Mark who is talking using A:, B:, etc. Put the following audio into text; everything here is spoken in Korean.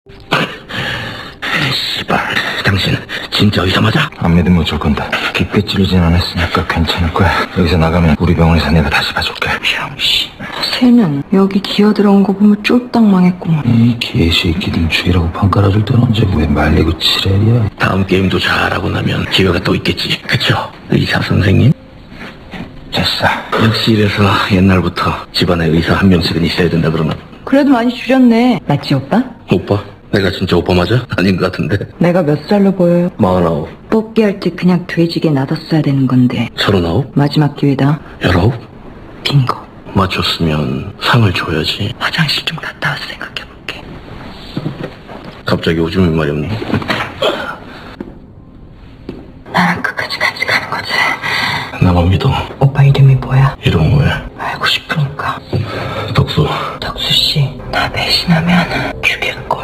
A: 씨발, 당신 진짜 의사 맞아?
B: 안 믿으면 어쩔 건데. 깊게 찌르진 않았으니까 괜찮을 거야. 여기서 나가면 우리 병원에서 내가 다시 봐줄게.
C: 병신. 쟤는 여기 기어들어온 거 보면 쫄딱 망했구만.
B: 이 개새끼들 죽이라고 판 깔아줄 때는 언제 왜 말리고 지랄이야.
A: 다음 게임도 잘하고 나면 기회가 또 있겠지. 그쵸? 의사 선생님?
B: 됐어.
A: 역시 이래서 옛날부터 집안에 의사 한 명씩은 있어야 된다 그러나.
C: 그래도 많이 줄였네. 맞지 오빠?
A: 오빠? 내가 진짜 오빠 맞아? 아닌 것 같은데.
C: 내가 몇 살로 보여요?
A: 49,
C: 뽑기 할 때 그냥 돼지게 놔뒀어야 되는 건데.
A: 39,
C: 마지막 기회다.
A: 19?
C: 빙고.
A: 맞췄으면 상을 줘야지.
C: 화장실 좀 갔다 와서 생각해볼게.
A: 갑자기 오줌이 말이 없니?
C: 나랑 끝까지 같이 가는 거지.
A: 나만 믿어.
C: 오빠 이름이 뭐야?
A: 이름 뭐야?
C: 알고 싶으니까.
A: 덕수.
C: 덕수씨, 나 배신하면 죽여놓을게.